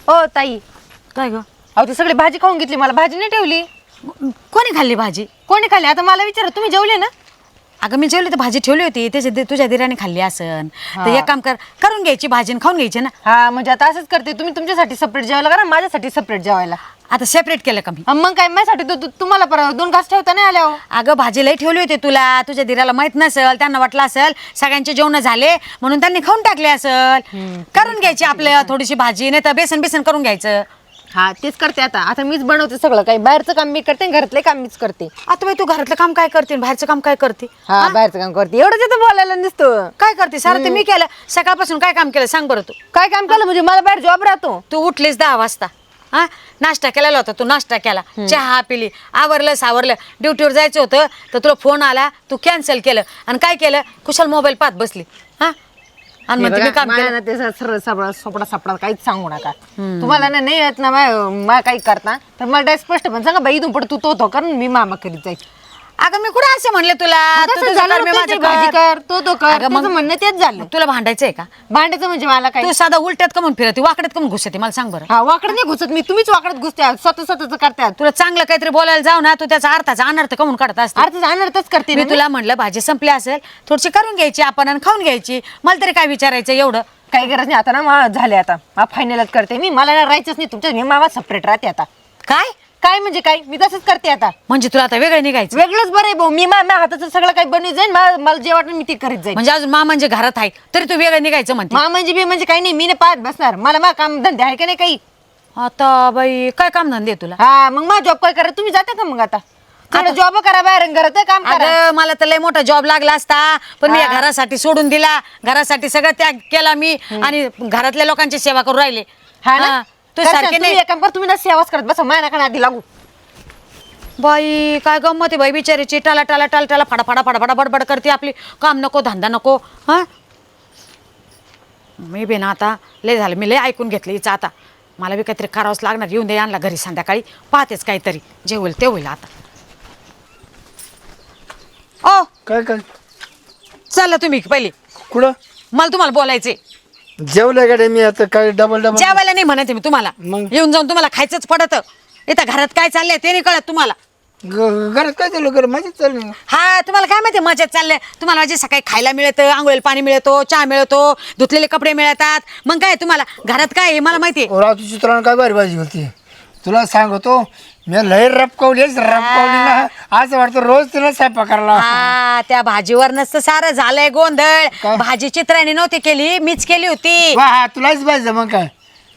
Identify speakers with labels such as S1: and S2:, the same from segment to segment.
S1: हो ताई,
S2: काय ग?
S1: अहो ती सगळी भाजी खाऊन घेतली, मला भाजी नाही ठेवली.
S2: कोणी खाल्ली भाजी?
S1: कोणी खाल्ली? आता मला विचारा, तुम्ही जेवले ना?
S2: अगं मी जेवली तर भाजी ठेवली होती, तुझ्या दिराने खाल्ली असन. तर एक काम करून घ्यायची भाजी आणि खाऊन घ्यायची ना.
S1: हा म्हणजे आता असंच करते, तुम्ही तुमच्यासाठी सेपरेट जेवायला करा, माझ्यासाठी सेपरेट जेवायला.
S2: आता सेपरेट केलं का मी?
S1: मग काय माझ्यासाठी तुम्हाला परत 2 घास ठेवता नाही आल्या हो.
S2: अगं भाजी लई ठेवली होती तुला, तुझ्या दिराला माहित नसेल, त्यांना वाटलं असेल सगळ्यांचे जेवण झाले म्हणून त्यांनी खाऊन टाकले असेल. करून घ्यायची आपल्या थोडीशी भाजी, नाही तर बेसन बेसन करून घ्यायचं.
S1: हा तेच करते आता मीच बनवते सगळं काही, बाहेरचं काम मी करते, घरातले काम मीच करते.
S2: आता बाई तू घरातलं काम काय करते, बाहेरचं काम काय करते?
S1: हा बाहेरचं काम करते, एवढंच येतं बोलायला नसतं.
S2: काय करते? सारं ते मी केलं. सकाळपासून काय काम केलं सांग बरं तू.
S1: काय काम केलं म्हणजे? मला बाहेर जॉब राहतो.
S2: तू उठलीस 10 वाजता, हा नाश्ता केलेला होता, तू नाश्ता केला, चहा पिली, आवरलं सावरलं, ड्युटीवर जायचं होतं तर तुला फोन आला, तू कॅन्सल केलं आणि काय केलं, कुशल मोबाईल पाहत बसली. हा आणि म्हणते मी काम केलं.
S1: ते सरळ सोपडा सापडा काहीच सांगू नका. तुम्हाला ना नाही येत ना मा काही करता तर मला स्पष्ट पण सांगा बाई, इथून पुढे तू तो कारण मी मामा करीत जाईल.
S2: अगं मी कुठं असं म्हणले तुला? तू तुझं कर, मी माझं
S1: भाजी
S2: कर.
S1: कर, तो कर.
S2: अगं मग
S1: माझं म्हणणं तेच झालं.
S2: तुला भांडायचंय का?
S1: भांडायचं म्हणजे मला काय?
S2: तू साधा उलट्यात का म्हणून फिरते, वाकड्यात का म्हणून घुसते, मला सांग बरं.
S1: हा वाकडं नाही घुसत मी, तुम्हीच वाकडत घुसत्या, स्वतःच करतात.
S2: तुला चांगलं काहीतरी बोलायला जाऊ ना, तू त्याचा अर्थाचा अनर्थ का म्हणून काढत असते.
S1: अर्थ अनर्थच करते
S2: मी
S1: ना.
S2: तुला म्हणलं भाजी संपली असेल, थोडीशी करून घ्यायची आपण आणि खाऊन घ्यायची. मला तरी काय विचारायचं एवढं?
S1: काही गरज नाही आता ना, झाले आता फायनलच करते मी. मला ना राहायचंच नाही तुमच्या, मी मामा सेपरेट राहते आता.
S2: काय
S1: काय म्हणजे काय? मी तसंच करते आता.
S2: म्हणजे तुला आता वेगळं निघायचं?
S1: वेगळंच बरं आहे भाऊ, मी माझ्या हाताचं सगळं काही बनवून जाईन, मला जे वाटलं मी ते करीत जाईन.
S2: म्हणजे अजून म्हणजे घरात आहे तरी तू वेगळं निघायचं म्हणते?
S1: म्हणजे बी म्हणजे काही नाही, मी नाही पाहत बसणार, मला काम धंदे आहे का नाही काही.
S2: आता बाई काय काम धंदे तुला?
S1: हा मग माझा जॉब काय करा, तुम्ही जाता का मग? आता जॉब करा, बाहेर घरात काम करा.
S2: अगं मला तर लय मोठा जॉब लागला असता, पण मी या घरासाठी सोडून दिला, घरासाठी सगळं त्याग केला मी आणि घरातल्या लोकांची सेवा करू राहिले.
S1: हा ना,
S2: तू सारखे नाही.
S1: काम कर, तुम्ही ना सेवाच करत बसा, माझ्या नका आधी लागू.
S2: बाई काय गंमत आहे बाई, बिचारीची टाला टाला टाला टाला फडा फडा फडा फडा बडबड करते आपली. काम नको, धंदा नको. हा मी बी ना आता लय झालं, मी लय ऐकून घेतलं हिचं. आता मला बी काहीतरी करावंच लागणार. येऊन दे आणला घरी संध्याकाळी, पाहतेच काहीतरी, जे होईल ते होईल. आता ओ
S3: काय काय
S2: चला तुम्ही पहिले,
S3: कुठं
S2: मला तुम्हाला बोलायचे.
S3: जेवलं गाडी मी आता काय डबल
S2: जेवायला नाही म्हणते मी तुम्हाला,
S3: मग?
S2: येऊन जाऊन तुम्हाला खायचंच पडत. इथं घरात काय चाललंय ते नाही कळत तुम्हाला.
S3: घरात काय चालू कर माझी चालू
S2: हा तुम्हाला काय माहिती मजेत चाललंय. तुम्हाला माझे सकाळी खायला मिळतं, आंघोळीला पाणी मिळतो, चहा मिळतो, धुतलेले कपडे मिळतात. मग काय तुम्हाला घरात काय आहे मला माहिती.
S3: रातू चित्रानं काय भारी भाजी होती तुला सांगतो. मी लय रपकवलीच ना, असं वाटतं रोज तिला स्वयंपाक करायला.
S2: हा त्या भाजीवर नसतं सारं झालंय गोंधळ.
S3: काय?
S2: भाजी चित्राने नव्हती केली, मीच केली होती.
S3: वा हा तुलाच पाहिजे मग काय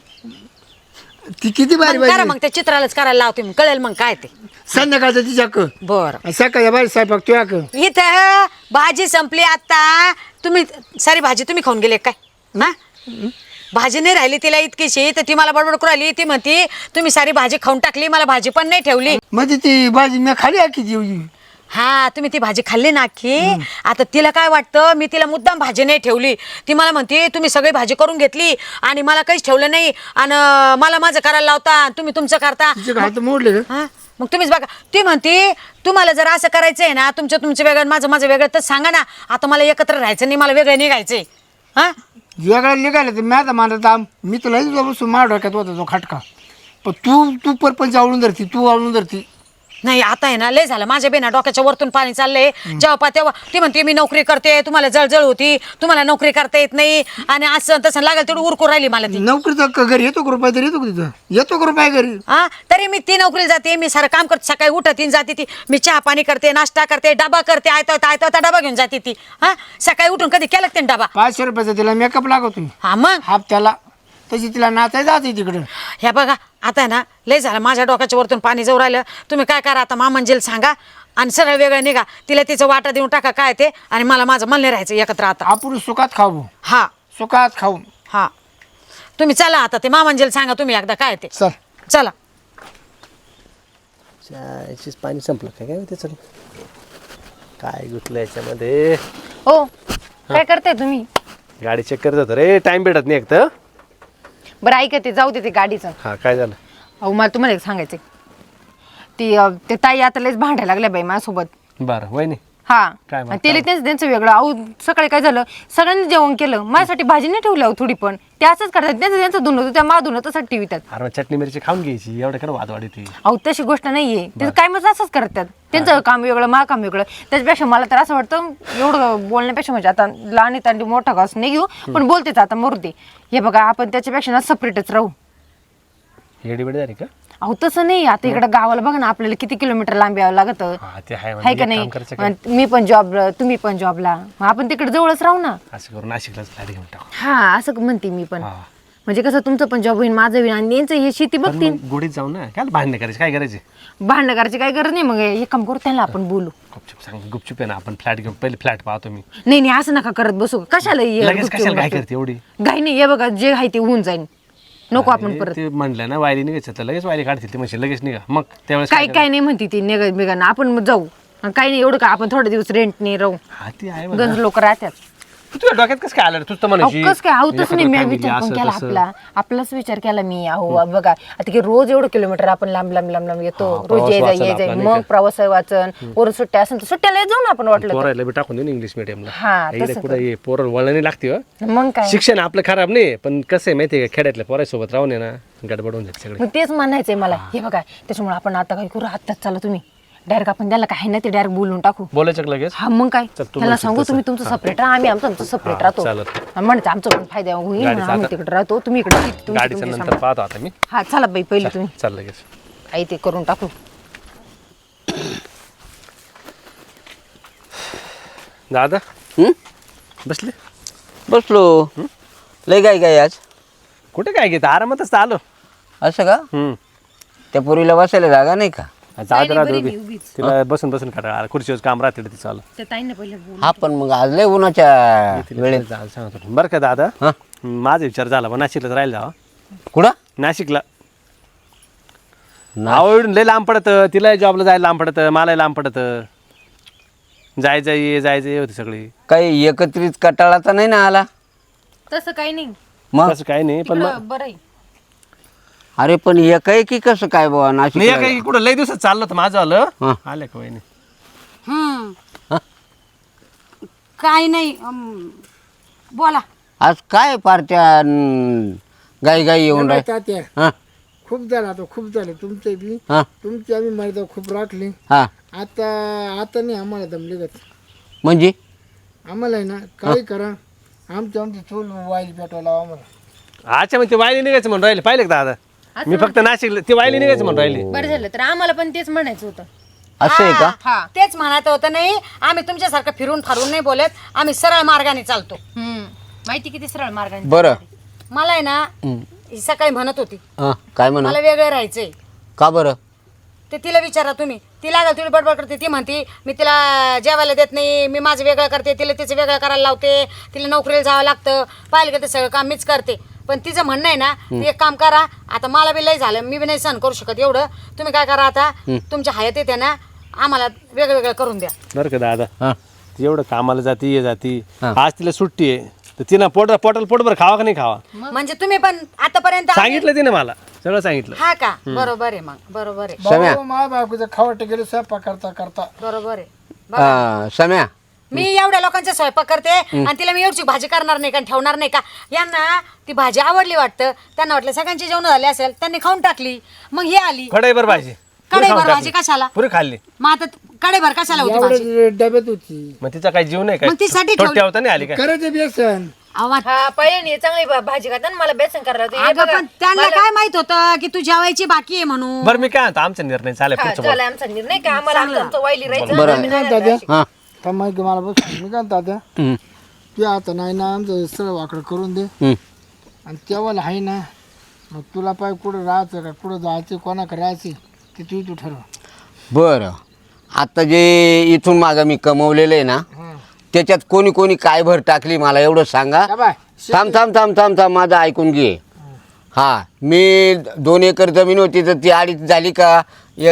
S3: ती किती भारी
S2: मग करा,
S3: भाजी.
S2: मग त्या चित्रालाच करायला लावते मी, कळेल मग काय ते.
S3: संध्याकाळचं तिच्याक
S2: बर
S3: सकाळच्या भारी स्वयंपाक तुझ्या
S2: इथं भाजी संपली आता. तुम्ही सारी भाजी तुम्ही खाऊन गेले काय? ना भाजी नाही राहिली तिला इतकीशी, तर ती मला बडबड करू राहिली. ती म्हणती तुम्ही सारी भाजी खाऊन टाकली, मला भाजी पण नाही ठेवली.
S3: म्हणजे ती भाजी मी खाली आखी जेवली.
S2: हा तुम्ही ती भाजी खाल्ली ना की. आता तिला काय वाटतं, मी तिला मुद्दाम भाजी नाही ठेवली. ती मला म्हणते तुम्ही सगळी भाजी करून घेतली आणि मला काहीच ठेवलं नाही, आणि मला माझं करायला लावता, तुम्ही तुमचं करता.
S3: तिचे हात मोडले का?
S2: हा मग तुम्हीच बघा. ती म्हणते तुम्हाला जर असं करायचंय ना, तुमचं वेगळं माझं वेगळं, तर सांगा ना. आता मला एकत्र राहायचं नाही, मला वेगळं निघायचंय. हा
S3: वेगळा निघाला तर मी आता मानत मी तुला बसून मार डोक्यात होता तो खटका. पण तू परपंच आवडून धरती, तू आवडून धरती.
S2: नाही आता आहे ना लय झालं, माझ्या बेना डोक्याच्या वरतून पाणी चाललंय. जेव्हा तेव्हा ती म्हणते मी नोकरी करते, तुम्हाला जळजळ होती, तुम्हाला नोकरी करता येत नाही, आणि असं तसं लागेल तेवढं उरकू राहिली मला ती.
S3: नोकरीचा घरी येतो का रुपये तरी येतो का तिथं? येतो का रुपये घरी?
S2: हा तरी मी ती नोकरीला जाते, मी सारं काम करते, सकाळी उठत जाते ती, मी चहा पाणी करते, नाश्ता करते, डबा करते, आयता डबा घेऊन जाते ती. हा सकाळी उठून कधी केलं ते डबा?
S3: 500 रुपयाचा तिला मेकअप लागतो.
S2: हा मग
S3: हाफ त्याला तशी तिला नाचाय जाते तिकडं.
S2: ह्या बघा आता आहे ना लय झालं, माझ्या डोक्याच्या वरतून पाणी जाऊ राहिलं. तुम्ही काय करा आता, मामंजीला सांगा आणि सरळ वेगळं निघा, तिला तिचं वाटा देऊन टाका काय ते, आणि मला माझं मन नाही राहायचं एकत्र आता.
S3: आपण सुखात खाऊ,
S2: हा
S3: सुखात खाऊ.
S2: हा तुम्ही चला आता, ते मामंजीला सांगा तुम्ही एकदा काय ते.
S3: चल
S2: चला.
S4: चायचीच पाणी संपलं काय काय त्याचं काय गुतलं याच्यामध्ये.
S1: हो काय करताय तुम्ही?
S4: गाडी चेक करत होतं रे, टाइम भेटत नाही एक तर.
S1: बरं ऐका, ते जाऊ दे ते गाडीचं.
S4: हा काय झालं?
S1: अहो मला तुम्हाला एक सांगायचंय. ते ताई आता लयच भांडायला लागल्या बाई माझ्यासोबत.
S4: बरं वय नाही.
S1: हा
S4: काय मग?
S1: आणि तेल त्यांचं वेगळं. अहो सकाळी काय झालं, सगळ्यांनी जेवण केलं, माझ्यासाठी भाजी नाही ठेवली अहो थोडी पण. ते असंच करतात, त्यांचं धुणं होतं, त्या मा धुणं तसंच ठेवितात.
S4: अरे मग चटणी मिरची खाऊन घ्यायची, एवढं काय वाद वाढी
S1: अहो तशी गोष्ट नाहीये, ते काय मग असंच करतात. त्यांचं काम वेगळं, मा काम वेगळं. त्याच्यापेक्षा मला तर असं वाटतं एवढं बोलण्यापेक्षा म्हणजे आता लहान तांडी मोठा घास नाही घेऊ, पण बोलतेच आता मरूदे. हे बघा आपण त्याच्यापेक्षा ना सेपरेटच राहू.
S4: हेडी बेडी झाली का?
S1: अहो तसं नाही, आता इकडं गावाला बघा ना, आपल्याला किती किलोमीटर लांब यावं लागतं,
S4: हा ते आहे
S1: आहे का
S4: एक काम करायचं काय?
S1: नाही. मी पण जॉबला, तुम्ही पण जॉबला, मग आपण तिकडे जवळच राहू ना.
S4: असं करून नाशिकलाच फ्लॅट घेऊन टाकू.
S1: हा असं म्हणते मी पण.
S4: हा.
S1: म्हणजे कसं तुमचं पण जॉब होईल, माझं होईल, आणि यांचं हे शेती
S4: पण
S1: बघतील.
S4: मग गोडीत जाऊ ना, काय भांडणे करायचे, काय करायचे?
S1: भांडण करायची काय गरज नाही. मग एक काम करू, त्यांना आपण बोलू.
S4: गुपचूप सांग, गुपचूप आहे ना, आपण फ्लॅट घेऊन पहिले फ्लॅट पाहतो मी.
S1: नाही नाही असं नका करत बसू. कशाला हे
S4: लगेच
S1: गुपचूप
S4: कशाला काय
S1: बसू?
S4: करते एवढी?
S1: घाई नाही, हे बघा जे आहे ते होऊन जाईल. नको आपण
S4: अरे,
S1: परत
S4: ते म्हणलं ना वायली निघायचं तर लगेच वायली काढतील, ते म्हणजे लगेच निघा. मग त्यावेळेस
S1: काय काय नाही म्हणते ती निघत बिघाना, आपण मग जाऊ. आणि काही नाही एवढं का, आपण थोडे दिवस रेंट नाही राहू.
S4: हा ती आहे म्हणा.
S1: गंज लोक राहतात.
S4: तुझ्या डोक्यात कसं काय आलं? तुझं तर म्हणायची
S1: कस काय आहो तसं नाही, मी
S4: family
S1: विचार पण
S4: असं
S1: केला
S4: तसं.
S1: आपलाच विचार केला मी. अहो बघा आता की रोज एवढं किलोमीटर आपण लांब लांब लांब लांब येतो,
S4: हा,
S1: रोज
S4: प्रवास
S1: ये
S4: वाचन
S1: जाय
S4: आपला नाही
S1: मग
S4: का?
S1: प्रवास वाचन, वरून सुट्ट्या असेल तर सुट्ट्याला जाऊ ना आपण वाटलं तर.
S4: पोरायला बी टाकून देऊ ना इंग्लिश मिडियमला.
S1: हा,
S4: इकडे
S1: तसं
S4: कुठं ये पोरं वळणी लागते हो.
S1: मग काय.
S4: शिक्षण आपलं खराब नाही, पण कसं आहे माहितीये का, खेड्यातल्या पोरासोबत राहून आहे ना गडबड होऊन जाते सगळे.
S1: मग तेच म्हणायचंय मला. हे बघा त्याच्यामुळे आपण आता काय करू, आत्ताच चला तुम्ही डायरेक्ट आपण त्याला काय ना ते डायरेक्ट बोलून टाकू.
S4: बोलायचं का लगेच?
S1: हा मग काय,
S4: चल, तू
S1: त्याला
S4: म्हणशील
S1: सांगू
S4: तसं.
S1: तुम्ही तुमचं सेपरेट राहा, आम्ही आमचं सेपरेट राहतो.
S4: चालेल.
S1: म्हणते आमचं पण फायदा होईल,
S4: गाडीचं
S1: आम्ही
S4: आता-
S1: तिकडे राहतो, तुम्ही इकडे
S4: गाडीचं नंतर पाहतो आता मी.
S1: हा चला बाई पहिले तुम्ही
S4: चाल लगेच.
S1: काही ते करून टाकू.
S4: दादा
S5: हं?
S4: बसले
S5: बसलो. लय काय आज
S4: कुठे काय घेत, आरामातच तर आलो.
S5: असं का? त्या पोरीला बसायला जागा नाही का?
S4: जात राहतो उभी. तिला बसून बसून काढा आला, खुर्चीवर काम राहते तिचं चालू.
S1: त्या ताईंना पहिले बोल.
S5: हा पण मग आज लय उन्हाच्या वेळेत
S4: सांगतो बरं का दादा.
S5: हा
S4: माझा विचार झाला पण नाशिकलाच राहिला जावा.
S5: कुठं
S4: नाशिकला
S5: ना-
S4: आवडून लय लांब पडत, तिला जॉबला जायला लांब पडत, मला लांब पडत. जायचं ये होती सगळी.
S5: काही एकत्रित कटाळाचा नाही ना आला
S1: तसं काही नाही,
S5: मग?
S4: तसं काही नाही, पण
S1: तिकडं बरं आहे.
S5: अरे पण एकाएकी की कसं काय बाबा
S4: नाही
S5: नाशिक
S4: काही कुठं लय दिवसात चाललं होतं माझं आलं.
S5: हा.
S4: आलं का वहिनी?
S2: काय नाही बोला.
S5: आज काय पार्ट्या गाई गाई येऊन राहील.
S3: तात्या
S5: हा
S3: खूप झालं आता, खूप झालं तुमचं बी.
S5: हा
S3: तुमची आम्ही मर्यादा खूप राखली.
S5: हा
S3: आता आता नाही आम्हाला दमले जात.
S5: म्हणजे
S3: आम्हाला आहे ना काही करा, आमची चूल वाईल पेटवायला आम्हाला.
S4: अच्छा मग ते वायली निघायचं म्हणून राहिले, पाहिले का दादा? मी फक्त नाशिकला ते वायली निघायचं म्हणून राहिले.
S1: बरं झालं तर आम्हाला पण तेच म्हणायचं होतं.
S5: असं आहे का?
S1: हा
S2: तेच म्हणायचं होतं. नाही आम्ही तुमच्यासारखं फिरून फारून नाही बोलत, आम्ही सरळ मार्गाने चालतो.
S1: माहिती किती सरळ मार्गाने.
S5: बरं
S2: मला आहे ना ही सकाळी म्हणत होती
S5: हा काय म्हणा
S2: मला वेगळं राहायचंय.
S5: का बरं?
S2: ते तिला विचारा तुम्ही. ती लागल तुला बडबड करते, ती म्हणते मी तिला जेवायला देत नाही, मी माझं वेगळं करते, तिला तिचं वेगळं करायला लावते, तिला नोकरीला जावं लागतं, पाहिलं का ते सगळं काम मीच करते. पण तिचं म्हणणं आहे ना, ती एक काम करा, आता मला बी लय झालं, मी बी नाही सहन करू शकत एवढं. तुम्ही काय करा आता, तुमच्या हयात येते ना, आम्हाला वेगळं वेगळं करून द्या.
S4: बरं का दादा,
S5: हा
S4: ती एवढं कामाला जाती ये जाती,
S5: हा.
S4: आज तिला सुट्टी आहे तर तिनं पोटाला पोटभर खावा का नाही खावा
S2: म्हणजे तुम्ही पण आतापर्यंत
S4: सांगितलं तिने मला, सगळं सांगितलं.
S2: हा का? बरोबर आहे, मग बरोबर आहे,
S5: सम्या.
S3: भाऊ मा बायकोचं खावट गेलो स्वयंपाक करता करता.
S2: बरोबर आहे.
S5: सम्या
S2: मी एवढ्या लोकांचा स्वयंपाक करते आणि तिला मी एवढी भाजी करणार नाही का, ठेवणार नाही का? यांना ती भाजी आवडली वाटतं, त्यांना वाटलं सगळ्यांची जेवण झाले असेल, त्यांनी खाऊन टाकली. मग ही आली
S4: कढईभर भाजी
S2: कढईभर भाजी कशाला?
S4: पुरी खाल्ली.
S2: मग आता कढईभर कशाला होती भाजी?
S3: एवढ्या डब्यात होती.
S4: मग तिचा काही जीव नाही काय?
S2: मग तिसाठी
S4: थोडी ठेवता नाही आली काय?
S3: करायचं बेसन.
S2: आवाज.
S1: हा पहिले चांगली भाजी खातात, मला बेसन करायला होतं. हे
S2: अगं
S1: बघा,
S2: पण त्यांना काय माहित होतं की तू जेवायची बाकी आहे म्हणून?
S4: बरं मी काय म्हणतो, आमचा निर्णय चालेल
S1: हा,
S4: पुढचं
S1: झाला आमचा निर्णय का आम्हाला आमचं वाईली राहायचं.
S5: बरं.
S1: आम्ही
S3: काय
S1: नाही
S3: तात्या
S5: हा
S3: का माहिती मला बस मी काय तात्या
S5: हं.
S3: ते आता नाही ना आमचं सरळ वाकडं करून दे.
S5: हं.
S3: आणि तेव्हा आहे ना, मग तुला पाय कुठं राहायचं का कुठं जायचं कोणाकडे राहायचं ते तू ठरव.
S5: बरं आता जे इथून मागं मी कमवलेलं आहे ना, त्याच्यात कोणी कोणी काय भर टाकली मला एवढं सांगा.
S3: का बाय
S5: थांब थांब थांब थांब थांब माझं ऐकून घे. हा मी 2 एकर जमीन होती तर ती 2.5 झाली का?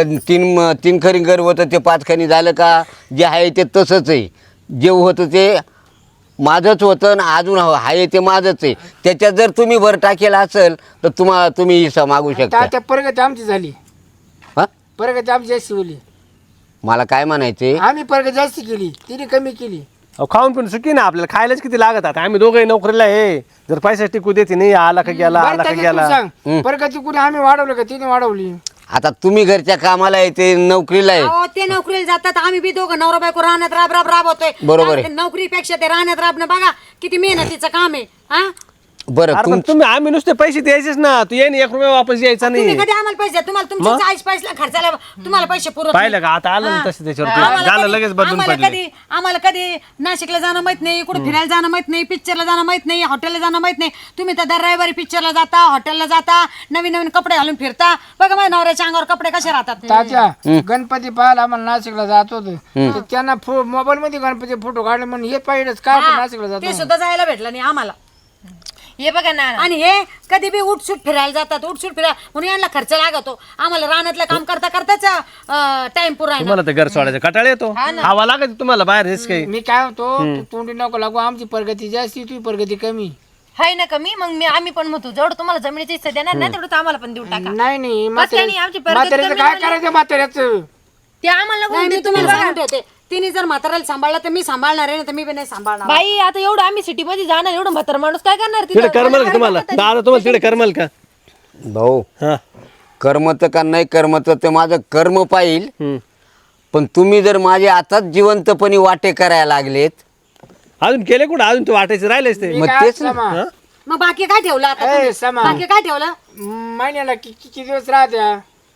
S5: 3 खरी घर होतं ते 5 खणी झालं का? जे आहे ते तसंच आहे. जे होतं ते माझंच होतं आणि अजून आहे ते माझंच आहे. त्याच्यात जर तुम्ही भर टाकेला असेल तर तुम्ही हिस्सा मागू शकता.
S3: तात्या प्रगती आमची झाली,
S5: हा
S3: प्रगती आमची अशी बोली.
S5: मला काय म्हणायचे
S3: आम्ही परत जास्त केली तिने कमी केली.
S4: अहो, खाऊन पिऊन सुखी ना आपल्याला खायलाच किती लागत आता आम्ही दोघंही नोकरीला आहे जर पैसा टिकू देते नाही आला का गेला
S3: बरं,
S4: आला का
S3: त्याच्यात
S4: गेला
S3: तू सांग प्रगती कुठे आम्ही वाढवलं का तिने वाढवली?
S5: आता तुम्ही घरच्या कामाला येते नोकरीला आहे
S2: अहो ते नोकरीला जातात आम्ही बी दोघं नवरा बायको राहण्यात राबतोय.
S5: बरोबर आहे.
S2: त्या नोकरीपेक्षा ते राहण्यात राबणं बघा किती मेहनतीचं काम आहे. हा
S5: बरं
S4: अरे पण तुम्ही आम्ही नुसते पैसे द्यायचेच ना तू ये 1 रुपया वापस यायचा
S2: तुम्ही
S4: नाही
S2: कधी आम्हाला पैसे द्या? तुम्हाला तुमच्या चाळीस पैसे खर्चाला तुम्हाला पैसे पुरत नाही.
S4: पाहिलं का आता आलं ना तसं त्याच्यावरती
S2: आम्हाला
S4: झालं
S2: कधी-
S4: लगेच बदलून पडले
S2: आम्हाला कधी नाशिकला जाणं माहित नाही, कुठे फिरायला जाणं माहित नाही, पिक्चरला जाणं माहित नाही, हॉटेलला जाणं माहित नाही. तुम्ही तर दर रविवारी पिक्चरला जाता, हॉटेलला जाता, नवीन नवीन कपडे घालून फिरता. बघा माझ्या नवऱ्याच्या अंगावर कपडे कसे राहतात.
S3: तात्या गणपती पाहायला आम्हाला नाशिकला जात होतो तर त्यांना मोबाईल मध्ये गणपती फोटो काढले म्हणून हे पाहिजेच काय आपण नाशिकला
S2: ते
S3: जातो.
S2: सुद्धा जायला भेटलं नाही आम्हाला.
S1: हे बघा ना
S2: आणि हे कधी बी उठसूट फिरायला जातात, उठसूट फिरायला म्हणून यांना खर्च लागतो. आम्हाला रानातलं काम करता करताच टाइम पुरा
S4: तुम्हाला तर घर सोडायचं कटाळ येतो हवा लागत तुम्हाला बाहेर हेच काही
S3: मी काय होतो तू तोंडी नको लागू आमची प्रगती जास्ती तुझी प्रगती कमी.
S1: हाय ना कमी मग आम्ही पण म्हणतो जेवढं तुम्हाला जमिनीची हिस्सा देणार ना तेवढं आम्हाला पण देऊ टाका.
S3: नाही नाही
S1: बस काय नाही, आमची प्रगती
S3: म्हाताऱ्याचं
S1: कमी
S3: काय
S1: झाली.
S3: करायचं म्हाताऱ्याचं?
S1: ते आम्हाला नको
S2: नाही, मी
S1: देत
S2: तुम्हाला
S1: तुम्ही
S2: सांगून ठेवते तिने जर म्हाताऱ्याला सांभाळलं तर मी सांभाळणार आहे ना तर मी पण नाही सांभाळणार.
S1: बाई आता एवढं आम्ही सिटी मध्ये जाणार एवढं म्हातार माणूस काय करणार
S4: तिकडे करमल का तुम्हाला दादा तुम्हाला तिकडे करमल का
S5: भाऊ
S4: हा
S5: कर्मत का नाही कर्मत ते माझं कर्म पाहिल
S4: हम्म.
S5: पण तुम्ही जर माझे आताच जिवंतपणी वाटे करायला लागलेत
S4: अजून केले कुठं अजून ते वाटायचे राहिलेच ते
S3: मी
S5: मग
S3: काय
S5: तेच ना.
S3: समा?
S2: मग बाकी काय ठेवलं आता
S3: ए,
S2: तुम्ही?
S3: समा.
S2: बाकी काय ठेवलं?
S3: महिन्याला किती दिवस राहत्या?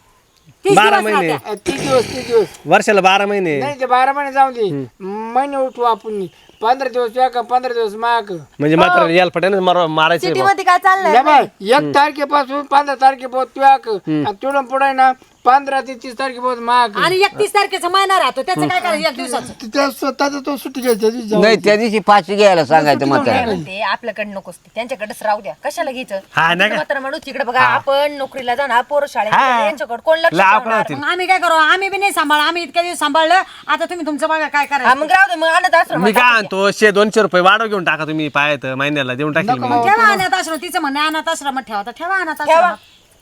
S2: 30
S4: 12
S2: दिवस
S4: महिने.
S2: राहत्या.
S3: 30 दिवस
S4: वर्षाला 12 महिने
S3: नाही ते 12 महिने जाऊ दे महिने उठू आपण 15 दिवस या का 15 दिवस माग
S4: म्हणजे मात्र याल पटाने मारायचे
S1: सिटी मध्ये काय चाललंय
S3: या बाय 1 तारखेपासून 15 तारखेपर्यंत तुया तिकडून पुढे ना 15 ते 30 तारखेपर्यंत माग
S2: आणि 31 तारखेचा महिना राहतो त्याचं काय करायचं 1 दिवसाचं?
S3: त्या स्वतःचा तो सुट्टी घ्यायचा दिवशी जाऊ.
S5: नाही त्या दिवशी पाचशे घ्यायला सांगायचं म्हाताऱ्याला
S1: म्हणते आपल्याकडे नकोच ते त्यांच्याकडेच राहू द्या कशाला घ्यायचं
S4: हा, नाही का?
S1: म्हातारा माणूस तिकडे बघा आपण नोकरीला जाणार पोरं शाळेत
S4: हा.
S1: जाणार, यांच्याकडे कोण लक्ष
S4: लय आपण
S1: ठेवणार?
S4: होतील.
S2: मग आम्ही काय करू? आम्ही बी नाही सांभाळ आम्ही इतक्या दिवस सांभाळलं आता तुम्ही तुमचं बघा काय
S1: हा,
S2: करायचं.
S1: मग राहू दे मग आणत आश्रमात
S4: मी काय
S1: टाकून
S4: आणतो 100-200 रुपये वाढव घेऊन टाका तुम्ही पायात महिन्याला देऊन टाकेल मी
S2: ठेवा अनाथ आश्रम तिचं म्हणणं आहे, अनाथ आश्रमात ठेवा तर ठेवा अनाथ आश्रमात.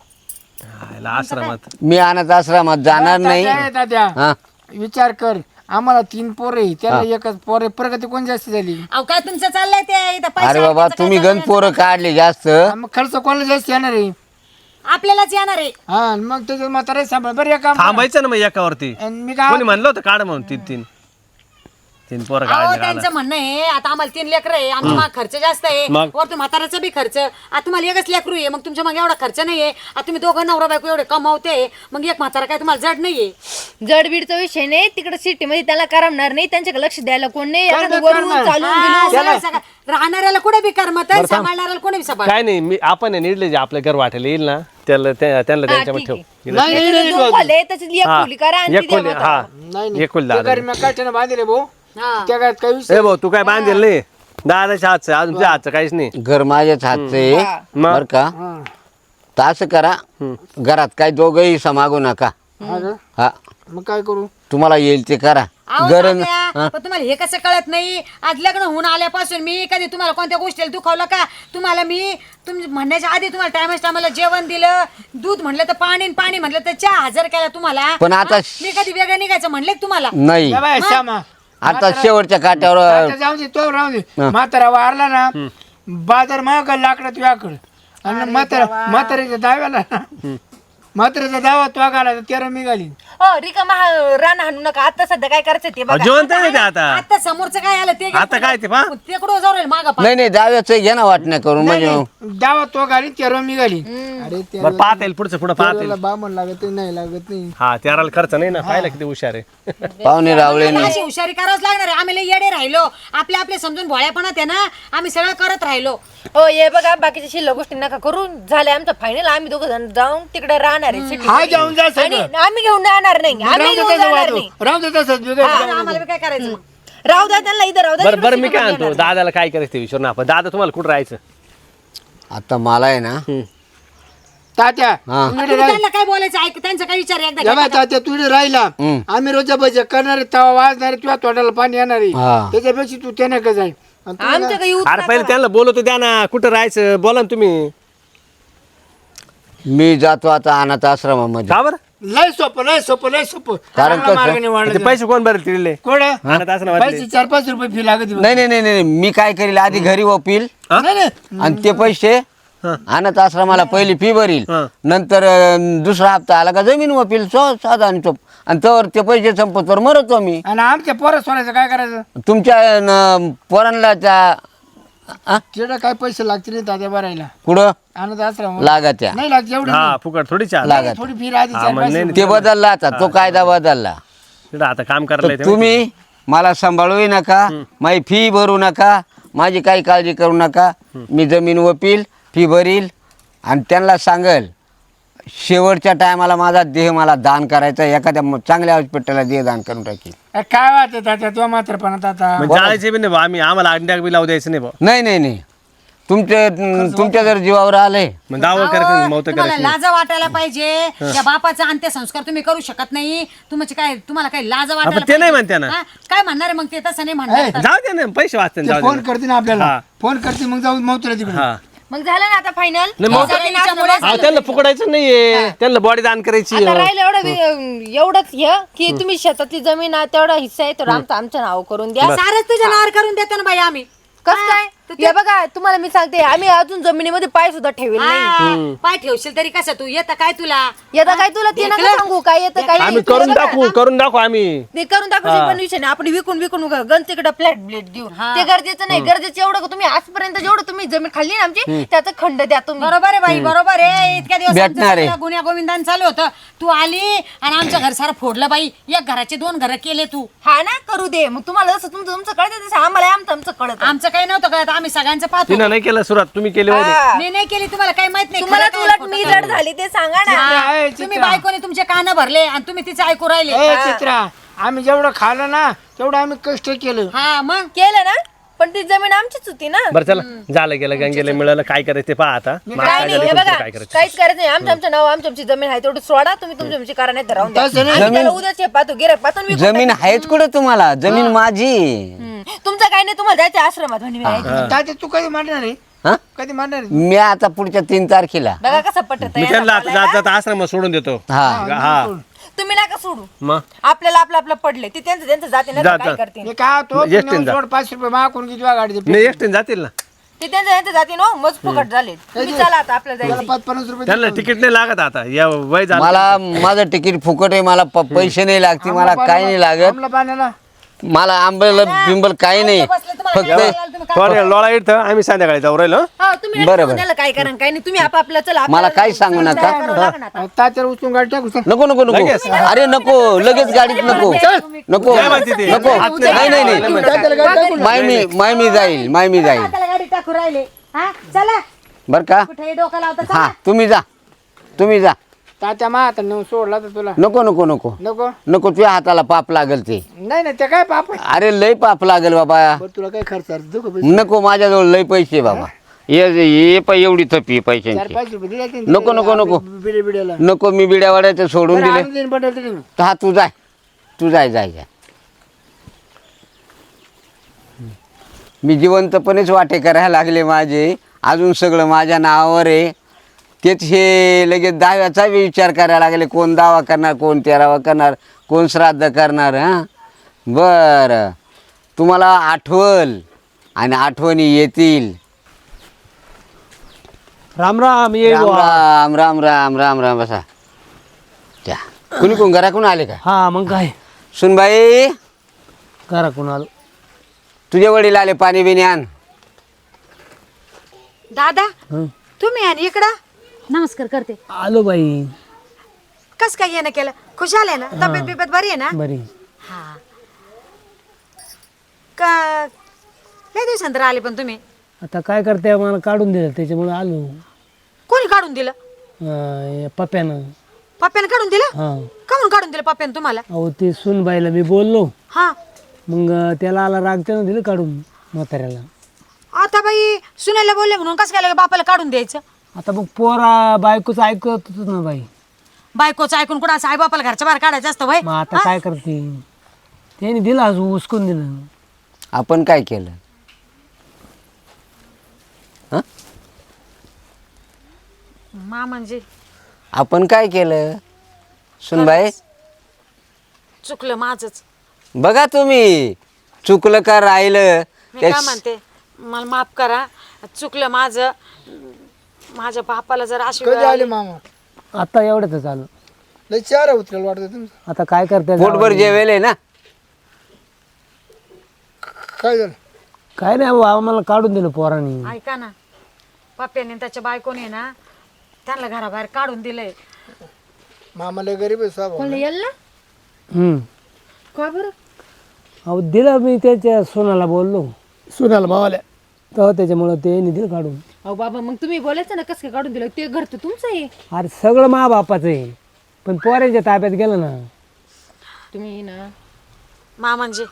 S4: हायला आश्रमात
S5: मी अनाथ आश्रमात जाणार नाही
S3: तात्या, तात्या,
S5: हा
S3: विचार कर आम्हाला 3 पोरं आहे त्याला एकच पोर आहे प्रगती कोण जास्त झाली?
S2: अहो काय तुमचं चाललंय ते इथं पैसा
S5: अरे बाबा
S2: अडकायचं काय
S5: तुम्ही
S2: चाललंय?
S5: गणपोरं काढले जास्त
S3: मग खर्च कोणाला जास्त येणार आहे?
S2: आपल्यालाच येणार आहे.
S3: हा मग त्याच्यात म्हातारा सांभाळ बरं एक काम करा.
S4: थांबायचं ना मग एकावरती
S3: आणि मी काय
S4: कोणी म्हणलं होतं काढ म्हणून 3 पोरं
S2: अहो
S4: काढले
S2: त्यांचं म्हणणं आहे आता आम्हाला 3 लेकरं आहे आमचा माग खर्च जास्त आहे
S4: मग?
S2: वरतून म्हाताऱ्याचा बी खर्च आता तुम्हाला एकच लेकरू आहे मग तुमच्या मागे एवढा खर्च नाहीये आता तुम्ही दोघं नवरा बायको एवढे कमावते मग एक म्हातारा काय तुम्हाला जड नाहीये.
S1: जडबीडचा विषय नाही तिकडे सिटी मध्ये त्याला करमणार नाही त्यांच्याकडे लक्ष द्यायला कोण नाही
S3: करणार,
S1: एखादं वरून
S3: करणार.
S1: चालून
S2: हा,
S1: बिलून
S2: सगळं- सगळं. राहणाऱ्याला कुठे बी करमत सांभाळणाऱ्याला कोणी बी सांभाळ.
S4: काय नाही मी आपण आहे निडले जे आपल्या घर वाटेल येईल ना त्यांना त्यांच्यामध्ये
S1: ठीक
S4: ठेव
S1: आहे.
S3: नाही नाही नाही
S1: दोन खोले त्याच्यातली एक खोली करा आणि ती
S4: एक
S1: द्या
S4: खोली
S1: म्हाताऱ्याला.
S4: हा
S3: नाही
S4: एक खोली
S3: ते
S4: दादा
S3: घरी मी काठ्यानं बांधले भाऊ
S2: हा.
S3: त्या काय काही विषय
S4: ए भाऊ तू काय बांधेल नाही दादाच्या हातचं अजून तुझ्या हातचं काहीच नाही
S5: घर माझ्याच हातचं आहे
S4: मग?
S5: बर का
S3: हा.
S5: तर असं करा घरात काय दोघंही समागू नका
S3: हा का?
S5: हा
S3: मग काय करू?
S5: तुम्हाला येईल ते करा
S2: अहो,
S5: गरज
S2: तात्या, पण तुम्हाला हे कसं कळत नाही आज लग्न होऊन आल्यापासून मी कधी तुम्हाला कोणत्या गोष्टीला दुखावलं का? तुम्हाला मी तुम्ही म्हणण्याच्या आधी तुम्हाला टायमाला जेवण दिलं दूध म्हणलं तर पाणी आणि पाणी म्हणलं तर चहा हजर केला तुम्हाला.
S5: पण आता
S2: हा? मी कधी वेगळं निघायचं म्हणले का तुम्हाला?
S5: नाही
S3: या बाय, श्यामा
S5: आता शेवटच्या काट्यावर
S3: आता जाऊ दे तो राहू दे म्हातारा वारला ना बाजार महाग लाकडं तुझ्याकडं आणि म्हाताऱ्याच्या दाव्याला म्हाताऱ्याचा दावा तो घाला 13 मी घालीन.
S1: हो रिकामा रान हाणू नका आता सध्या काय करायचं ते बघा
S4: जिवंत आहे ते आता
S2: आता समोरचं काय आलं ते
S4: आता काय ते पहा
S2: ते कुठं जाऊ राहील मागं पहा.
S5: नाही नाही दाव्याचं घ्या ना वाटण्या करून म्हणजे
S3: दावा तो घालीन 13 मी घालीन. अरे
S4: बरं पाहता येईल पुढचं पुढं पाहता येईल
S3: त्याला बामण लागत नाही लागत नाही.
S4: हा त्याला खर्च नाही ना पाहिलं किती हुशार आहे
S5: पाहुणे रावळे
S2: आता अशी हुशारी करावंच लागणार आहे आम्ही लय येडे राहिलो आपले समजून भोळ्यापणात आहे ना आम्ही सगळं करत राहिलो.
S1: हो ये बघा बाकीच्या शिल्लक गोष्टी नका करू झाले आमचं फायनल आम्ही दोघं जण जाऊन तिकडे राहणार आहे city
S3: हा
S1: मध्ये.
S3: जाऊन जा
S1: आणि
S3: सगळं
S1: आम्ही घेऊन जाणार नाही आम्ही घेऊन जाणार नाही
S3: राहू दे तसंच बिघड
S2: आम्हाला बी काय करायचं मग?
S1: राहू द्या त्यांना इथं राहू द्या
S4: बरं बरं मी काय आणतो दादाला काय करायचं ते विचारू ना आपण दादा तुम्हाला कुठं राहायचं
S5: आता मला आहे ना
S3: तात्या
S5: हा.
S3: तू
S2: आता
S3: इकडे राह.
S2: त्यांना काय बोलायचं ऐक त्यांचा काय विचार आहे एकदा
S3: या
S2: घ्या.
S3: बाय तात्या तू इकडे राहिला आम्ही रोजच्या बजे करणारे तवा वाजणारे तुझ्या तोंडाला पाणी येणार आहे
S5: हा.
S3: त्याच्यापेक्षा तू त्याने का जाईल आणि तू
S1: आमच्या काही येऊ
S4: अरे पहिले त्यांना बोलवतो द्या ना कुठं राहायचं बोला ना तुम्ही
S5: मी जातो आता अनाथ आश्रमामध्ये
S4: का बरं
S3: लय सोपं लय सोपं लय सोपं
S5: कारण
S3: चांगला
S5: कसं?
S3: मार्गाने
S4: ते
S3: वाढलं
S4: पैसे कोण भरेल तिथले
S3: कोण
S4: आणत असं वाटले
S3: पैसे 4-5 रुपये फी लागत
S5: नाही नाही नाही नाही मी काय करील आधी घरी वपील
S3: नाही नाही
S5: आणि ते पैसे अनाथ आश्रमाला पहिली फी भरील
S4: हं.
S5: नंतर दुसरा हप्ता आला का जमीन वपील साधा आणि चोप आणि तर ते पैसे संपतवर मरतो मी
S3: आणि आमच्या पोरं सोडायचं काय करायचं
S5: तुमच्या पोरांना त्या
S3: तिकडे काय पैसे लागतील नाही तात्या भरायला
S5: कुठं
S3: आणत आश्रम
S5: लागा त्या
S3: नाही लागत एवढी
S4: हा फुकट थोडी चाल
S5: लागत
S3: थोडी फी राहते
S4: हा, मग
S3: 4-5
S4: नाही,
S3: रुपये.
S5: ते बदलला आता तो कायदा बदलला
S4: तिकडं आता काम करायला
S5: तर
S4: येते
S5: तुम्ही मला सांभाळूही नका माझी फी भरू नका माझी काही काळजी करू नका मी जमीन वपील फी भरील आणि त्यांना सांगल शेवटच्या टायमाला माझा देह मला दान करायचा एखाद्या चांगल्या हॉस्पिटलला देह दान करून टाकील
S3: काय वाटत तात्या तो मात्र पण आता
S4: मग जायचे बी नाही भाऊ आम्ही आम्हाला अंड्या बी लावू द्यायचं नाही भाऊ
S5: नाही नाही नाही तुमच्या जर जीवावर आले
S4: मग दावा करायचं मौत
S2: तुम्हाला
S4: करायचं
S2: लाज वाटायला पाहिजे त्या बापाचा अंत्यसंस्कार तुम्ही करू शकत नाही तुम्हाला काय लाज वाटायला
S4: ते नाही म्हणते ना.
S2: हा? काय म्हणणार आहे मग ते तसं नाही म्हणणार
S4: जाऊ दे ना पैसे वाचते जाऊ
S3: फोन
S4: दे
S3: करते ना आपल्याला
S4: हा.
S3: फोन करते मग जाऊ मग तिकडे
S4: हा
S1: मग झालं ना आता फायनल
S4: नाही, मग- हा, त्यांना फुकडायचं नाहीये त्यांना बॉडी दान करायची
S1: आता राहिलं एवढंच हे की तुम्ही शेतातली जमीन आहे तेवढा हिस्सा आहे तो आमच्या नाव करून द्या
S2: सारच तुझ्या नावावर करून देतो ना बाई आम्ही
S1: कसं काय हे बघा तुम्हाला मी सांगते आम्ही अजून जमिनीमध्ये पाय सुद्धा ठेवेल नाही
S2: हा, पाय ठेवशील तरी कसं तू येतं काय तुला
S1: येतं काय तुला ते नका सांगू काय येतं काय
S4: आम्ही
S1: नाही.
S4: करून
S1: तुला बघा,
S4: करून दाखवू आम्ही
S1: ते करून दाखवायचे पण विषय नाही आपण विकून गण तिकडे फ्लॅट ब्लेट देऊ ते गरजेचं नाही गरजेचं एवढं का तुम्ही आजपर्यंत जेवढं तुम्ही जमीन खाल्ली ना आमची त्याचा खंड द्या तुम्ही
S2: बरोबर आहे बाई बरोबर आहे इतक्या दिवस
S5: भेटणार आहे.
S2: आमचं गुन्ह्या गोविंदान चालू होतं तू आली आणि आमच्या घर सारं फोडलं बाई एक घराचे 2 घरं केले तू
S1: हा ना करू दे मग तुम्हाला जसं तुमचं कळतं तसं आम्हाला आमचं कळत
S2: आमचं काही नव्हतं कळत आम्ही सगळ्यांचं पाहतो
S4: तिनं नाही केलं सुरुवात तुम्ही केली होती
S2: मी नाही केली तुम्हाला काही माहित नाही
S1: तुम्हाला
S2: खरं काय,
S1: उलट
S2: खोटं
S1: मी
S2: काय.
S1: जड झाली ते सांगा ना
S2: हा, तुम्ही बायकोने तुमचे कान भरले आणि तुम्ही तिचे ऐकू राहिले
S3: ए चित्रा आम्ही जेवढं खाल्लं ना तेवढं आम्ही कष्ट केलं
S2: हा मग
S1: केलं ना पण ती जमीन आमचीच होती ना
S4: बरं चला झालं गेलं गंगेला मिळालं काय करायचं ते पहा आता मला
S1: काय
S4: काय
S1: नाही
S4: झालं
S1: हे
S4: तुमचं
S1: बघा
S4: काय करायचं
S1: काहीच करायचं नाही आमच्या नाव आमची जमीन आहे तेवढी सोडा तुम्ही तुमची करा नाही तर राहून द्या.
S3: तसं नाही.
S1: आम्ही त्याला उद्याच हे पाहतो गिऱ्हाईक पाहतो आणि विकून
S5: जमीन आहेच कुठं तुम्हाला जमीन माझी
S1: टाकू. तुमचं काही नाही तुम्हाला जायचं आश्रमात म्हणे मी.
S3: तात्या तू कधी मारणार आहे
S5: हा
S3: कधी मारणार आहे?
S5: मी आता पुढच्या 3 तारखेला
S1: बघा कसं पटत
S4: मी त्यांना आता जात जात आश्रमात सोडून देतो
S5: हा
S4: हा
S1: तुम्ही नका सोडू
S4: मग
S1: आपल्याला आपलं पडले ते त्यांचं जाते ना
S4: जा,
S1: काय
S4: जा.
S1: करते
S3: मी काय तो
S4: एकटीने
S3: नेऊन
S4: जा.
S3: सोड 5 रुपये मागून किती वेळा गाडी
S4: नाही एकटीने जातील ना
S1: ते त्यांचं जाते ना मग फुकट झाले तुम्ही चला आता आपल्याला जायचं
S3: 5-50 रुपये
S4: त्यांना तिकीट नाही लागत आता या वय झालं
S5: मला माझं तिकीट फुकट आहे मला पैसे नाही लागते मला काही नाही लागत
S3: आमला पाण्याला
S5: मला आंबल बिंबल काही नाही फक्त
S4: थोडं लोळा इथं आम्ही संध्याकाळी जाऊ राहिलो
S1: हा तुम्ही
S5: बरं,
S1: नका
S5: बरं.
S1: त्याला काय करा काय नाही तुम्ही आपापलं चला
S5: मला
S1: आपल्याला
S5: काही सांगू नका
S1: करावं लागणार आता.
S3: तात्याला उचलून गाडी टाकू चल.
S5: नको नको नको अरे नको लगेच गाडीत नको नको
S4: काय म्हणते ते?
S5: नको नाही नाही नाही
S3: तात्याला गाडी टाकून
S5: माय मी जाईल
S2: त्याला गाडी टाकू राहिले हा चला
S5: बर का
S2: कुठे डोकं लावता
S5: हा तुम्ही जा
S3: तात्या मा आता नेऊन सोडला तर तुला
S5: नको नको नको
S3: नको
S5: नको तुझ्या हाताला पाप लागल ते
S3: नाही नाही ते काय पाप आहे?
S5: अरे लय पाप लागल बाबा
S3: बरं तुला काय खर्च आहे? देऊ का पैसे?
S5: नको माझ्याजवळ लय पैसे आहे बाबा ये पाय एवढी थपी पैशांची
S3: 4-5 रुपये दिले असते
S5: नको, नको, नको.
S3: बिडे बिड्याला
S5: नको मी बिड्यावाड्याचं सोडून दिले
S3: आणून देईन बंडल तरी मी.
S5: तर हा तू जाय मी जिवंतपणेच वाटे करायला लागले माझे अजून सगळं माझ्या नावावर आहे तेच हे लगेच दाव्याचा बी विचार करायला लागले कोण दावा करणार कोण तेरावा करणार कोण श्राद्ध करणार हां बरं तुम्हाला आठवल आणि आठवणी येतील
S4: राम राम ये
S5: राम राम राम राम राम राम बसा त्या कुणी कोण घराकडून आले का
S4: हा मग काय
S5: सुनबाई
S4: करा कोण आलो
S5: तुझे वडील आले पाणी बिणी आण
S2: दादा तुम्ही आणि इकडं नमस्कार करते
S6: आलो बाई
S2: कस काय येणं केलं खुशाल आहे ना तब्येत बिब्येत बरी आहे ना
S6: बरी
S2: हा का लय दिवसांतर आले पण तुम्ही
S6: आता काय करते मला काढून दिलं त्याच्यामुळे आलो
S2: कोणी काढून दिलं
S6: या पप्यानं
S2: पप्प्यानं काढून दिलं
S6: हा
S2: काहून काढून दिलं पप्प्यानं तुम्हाला
S6: अहो ते सुनबाईला मी बोललो
S2: हा
S6: मग त्याला आला राग त्यानं दिलं काढून म्हाताऱ्याला
S2: आता बाई सुनायला बोलले म्हणून कसं काय बापाला काढून द्यायचं
S6: आता मग पोरा बायकोच ऐकत होत ना बाई
S2: बायकोचं ऐकून कुठं असं आई बापाला घरच्या बाहेर काढायचं असतं वय
S6: मग आता काय करते त्याने दिलं अजून उचकून दिलं
S5: आपण काय केलं हं?
S2: मा म्हणजे
S5: आपण काय केलं सुनबाई
S2: चुकलं माझंच.
S5: बघा तुम्ही चुकलं का राहिलं
S2: मी
S5: त्या-
S2: काय म्हणते, मला माफ करा, चुकलं माझं. माझ्या बापाला जर अशी वेळ
S3: कधी आले
S2: आली-
S3: मामा?
S6: आता एवढंच चालू.
S3: लय चार उतरेल वाटतं तुमचं.
S6: आता काय करते
S5: पोटभर जेवेल आहे ना.
S3: काय झालं?
S6: काय नाही बाबा, आम्हाला काढून दिलं पोरांनी.
S2: ऐका ना, पप्प्याने त्याच्या बायकोने ना त्यांना घराबाहेर काढून दिलंय.
S3: मामा लय गरीब आहे साहेब.
S1: कोण येईल ना का बरं?
S6: अहो दिलं, मी त्याच्या सोनाला बोललो,
S3: सुनाला मावाल्या.
S6: तेव्हा त्याच्यामुळं ते दिलं काढून.
S1: अहो बाबा मग तुम्ही बोलायचं ना कसं काय काढून दिलं, ते घर तर तुमचं आहे.
S6: अरे सगळं मा बापाचं आहे, पण पोरांच्या ताब्यात गेलं ना.
S1: तुम्ही ना
S2: म्हणजे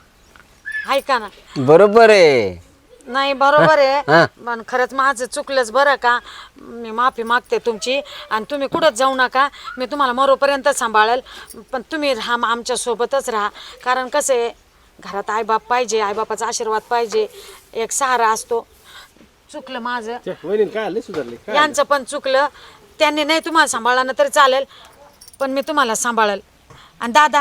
S2: ऐका ना,
S5: बरोबर आहे.
S2: नाही बरोबर
S5: हा.
S2: आहे, पण खरंच माझं चुकलंच बरं का. मी माफी मागते तुमची, आणि तुम्ही कुठंच जाऊ नका. मी तुम्हाला मरोपर्यंत सांभाळेल, पण तुम्ही राहा, आमच्या सोबतच राहा. कारण कसं आहे, घरात आईबाप पाहिजे, आईबापाचा आशीर्वाद पाहिजे, एक सहारा असतो. चुकलं माझं,
S4: वहिनी काय आले सुधारले काय?
S2: यांचं पण चुकलं. त्यांनी नाही तुम्हाला सांभाळलं ना तरी चालेल, पण मी तुम्हाला सांभाळेल. आणि दादा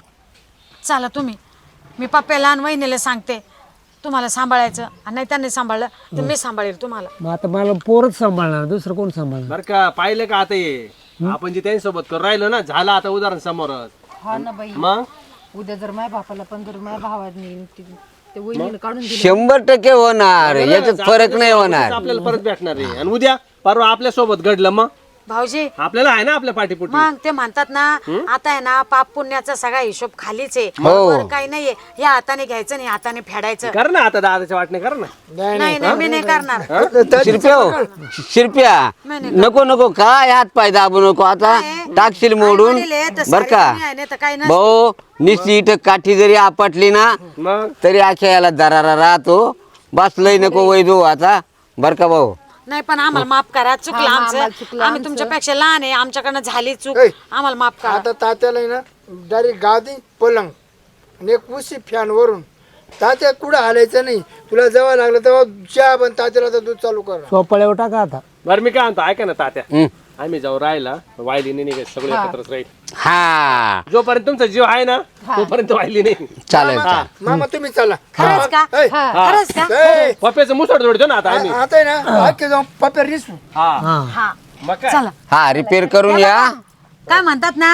S2: चला तुम्ही, मी पप्प्याला आणि वहिनीला सांगते तुम्हाला सांभाळायचं, आणि नाही त्यांनी सांभाळलं तर मी सांभाळेल तुम्हाला.
S6: मग आता मला पोरच सांभाळणार, दुसरं कोण सांभाळणार?
S4: बरं का पाहिलं का आता ये आपण जे त्यांच्यासोबत करून राहिलो ना, झालं आता उदाहरण समोरच.
S1: हा ना बाई,
S4: मग
S1: उद्या जर माझ्या बापाला पण जर माझ्या भावाने ते वहिनीला काढून दिलं
S5: 100% होणार, याच्यात फरक नाही होणार.
S4: आपल्याला परत भेटणार आहे. आणि उद्या परवा आपल्या सोबत घडलं मग
S2: भाऊजी,
S4: आपल्याला आहे ना आपल्या पाठीपुटी.
S2: मग ते म्हणतात ना, आता आहे ना पाप पुण्याचा सगळा हिशोब खालीच आहे.
S5: हो.
S2: वर काही नाहीये, या हाताने घ्यायचं नाही हाताने फेडायचं.
S4: कर ना आता दादाच्या वाटणे कर ना.
S2: नाही नाही, मी नाही करणार.
S5: शिरप्या हो, शिरप्या नको नको काय हात पाय दाबू नको, आता टाकशील मोडून.
S2: आई-वडील आहे तर
S5: बर
S2: सारी
S5: का
S2: दुनिया आहे, नाही तर काही नसतं.
S5: भाऊ, निश्चित इथं काठी जरी आपटली ना
S4: मग
S5: तरी आख्या याला दरारा राहतो. बस लय नको वैदू आता. बर का भाऊ?
S2: नाही पण आम्हाला माफ करा, चुकलं
S1: हा,
S2: आमचं.
S1: आम्हाला चुकलं
S2: आम्ही तुमच्यापेक्षा लहान आहे, आमच्याकडनं झाली चूक,
S3: ऐ.
S2: आम्हाला माफ करा.
S3: आता तात्याला आहे ना डायरेक्ट गादी पलंग आणि एक उशी फॅन वरून. तात्या कुठं हालायचं नाही. तुला जेव्हा लागलं तेव्हा चहा पण तात्याला तर दूध चालू कर.
S6: सोपाळ्यावर टाका आता.
S4: बरं मी काय म्हणतो ऐका ना तात्या,
S5: हं.
S4: आम्ही जाऊ राहिला वायलीने निघाय सगळे एकत्रच राहील.
S5: हा
S4: जोपर्यंत तुमचा जीव आहे ना तोपर्यंत वाहिली नाही.
S5: चालेल चालेल.
S3: मामा तुम्ही चला.
S2: खरंच का?
S3: ऐ,
S2: खरंच का?
S3: ऐ,
S4: पप्प्याचं मुसड जोडतो ना आता आम्ही.
S3: आता आहे ना आखे जाऊन पप्या रिसू.
S4: हा
S2: हा
S4: मग काय
S2: चला.
S5: हा रिपेअर करून या.
S2: काय म्हणतात ना,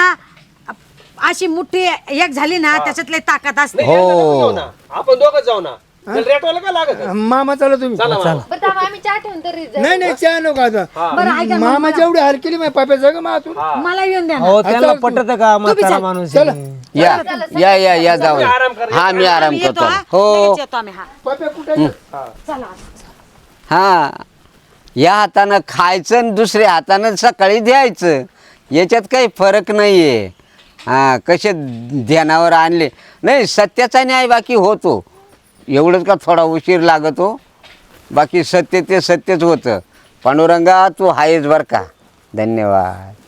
S2: अशी मुठ्ठी एक झाली ना त्याच्यातले ताकद असते.
S4: नाही, एकदा नको जाऊ ना. आपण दोघं जाऊ ना. रेटवाला काय लागत आहे?
S3: मामा चला तुम्ही.
S4: चला मामा.
S1: बरं थांबा, आम्ही चहा ठेवून तरी जाऊ.
S3: नाही नाही चहा नको आता. मामा जेवढी हाल केली माझ्या पप्या जग मातून.
S2: मला येऊन द्या ना.
S6: हो त्याला पटत का म्हातारा माणूस आहे.
S5: या या या या जाऊ.
S4: आराम कर.
S5: हा मी आराम
S2: आम्ही येतो
S5: करतो.
S2: हा.
S5: हो
S2: लगेच येतो आम्ही. हा
S3: पप्या कुठे?
S2: चला.
S5: हा या हातानं खायचं आणि दुसऱ्या हातानं सकाळी द्यायचं, याच्यात काही फरक नाहीये. हा कसे ध्यानावर आणले नाही, सत्याचा न्याय बाकी होतो. एवढंच का थोडा उशीर लागतो, बाकी सत्य ते सत्यच होतं. पांडुरंगा तू आहेस बर का. धन्यवाद.